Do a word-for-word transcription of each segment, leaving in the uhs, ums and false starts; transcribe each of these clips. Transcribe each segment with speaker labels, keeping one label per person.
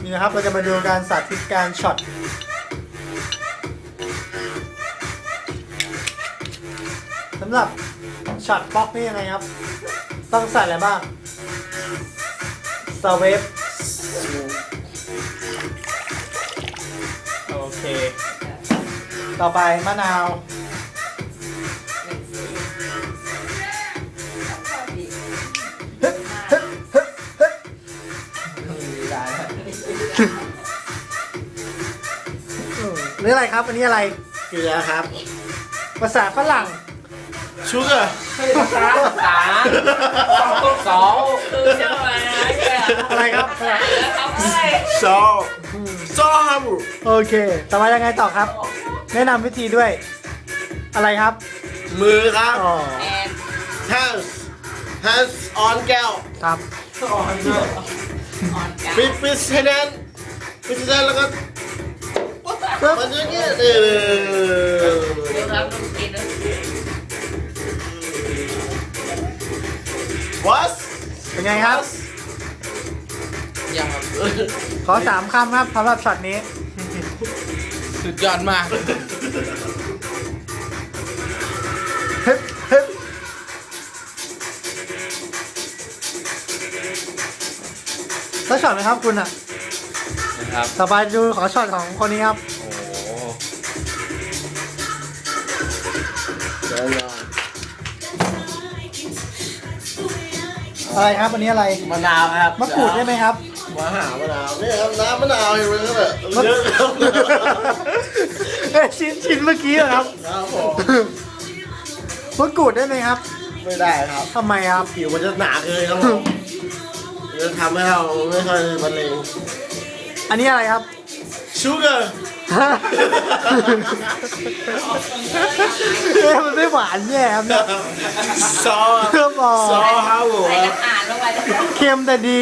Speaker 1: นี่นะครับเราจะมาดูการสาธิตการช็อตสำหรับช็อตป๊อกนี่ยังไงครับต้องใส่อะไรบ้างสเวฟโอเคต่อไปมะนาวนี่อะไรครับอันนี้อะไร
Speaker 2: เกลือครับ
Speaker 1: ภาษาฝรั่ง
Speaker 2: ชูเกอร์
Speaker 3: ภาษาภาษาสองสองคือเจ้าอะไรเนี่ย
Speaker 1: อะไรครับ
Speaker 3: เอาไป
Speaker 2: ซอซอฮัม
Speaker 1: โอเคต่อมายังไงต่อครับ แนะนำวิธีด้วย อะไรครับ
Speaker 2: มือครับ
Speaker 1: อ๋อ
Speaker 3: แอน
Speaker 2: hands hands on แก้ว
Speaker 1: ครับ
Speaker 3: อ่อนอ่อนกัน
Speaker 2: ปิดปิดให้แน่นปิดให้แน่นแล้วก็
Speaker 1: ปึ๊บ
Speaker 2: มันอย่างเงี้ยเออ
Speaker 3: เดี๋ยวรับต้องกินนะ
Speaker 2: วัส
Speaker 1: เป็นไงครับ
Speaker 3: ยัง
Speaker 1: ขอสามคำครับสำหรับช็อตนี้
Speaker 3: สุดยอดมาก
Speaker 1: ฮึบฮึบแล้วช็อตไหมครับคุณอ่ะ
Speaker 3: นะครับ
Speaker 1: ต่อไปดูขอช็อตของคนนี้ครับ
Speaker 3: โอ้
Speaker 2: เดี๋ยวรอ
Speaker 1: อะไรครับอันนี้อะไร
Speaker 2: มะนาวครับ
Speaker 1: มะกรูดได้ไหมครับ
Speaker 2: มะหามะนาวนี่ครับน้ำมะนาวเห็นไหมครับเนี่ยเยอะครับ
Speaker 1: เอ้ยชิ้นชิ้นเมื่อกี้เหรอครับ
Speaker 2: ครับผม
Speaker 1: มะกรูดได้ไหมครับ
Speaker 2: ไม่ได้ครับ
Speaker 1: ทำไมครับ
Speaker 2: ผิวมันจะหนาเกินครับผมจะทำให้เราไม่ค่อยบรรเลง
Speaker 1: อันนี้อะไรครับ
Speaker 2: ชูเกอร์
Speaker 1: ฮะเอ๊ะมันไม่หวานแย่ครับเนี่ย
Speaker 2: ซอ
Speaker 1: เพิ่มบอก
Speaker 2: ซอครับผม
Speaker 3: ใส่อาหารลงไปแล้ว
Speaker 1: เค็มแต่ดี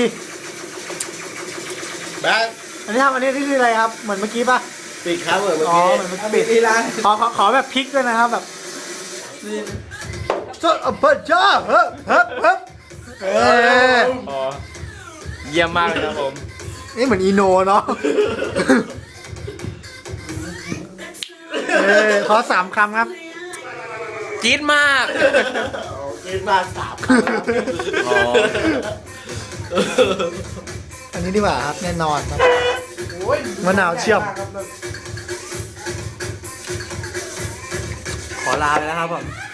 Speaker 2: แบงค์
Speaker 1: อันนี้ทำอันนี้นี่คืออะไรครับ เหมือนเมื่อกี้ป่ะ
Speaker 2: ปิดครับเหมือนเมื่อ
Speaker 1: อ๋อ
Speaker 2: กี้
Speaker 1: เหมือนเมื่อกี้ปิดที่ร้านขอขอขอแบบพริกด้วยนะครับแบบจดอเปิดจ้าเฮ้ยเฮ้ยเฮ้ยเออ
Speaker 3: เยี่ยมมากเลยครับผม
Speaker 1: นี่เหมือนอีโนเนาะเออขอสามคำครับ
Speaker 3: จี๊ดมาก
Speaker 2: กินมาสามครั้ง
Speaker 3: อ๋อ
Speaker 1: อันนี้ดีกว่าครับแน่นอนครับมะนาวเชื่อม
Speaker 3: ขอลาไปแล้วครับผม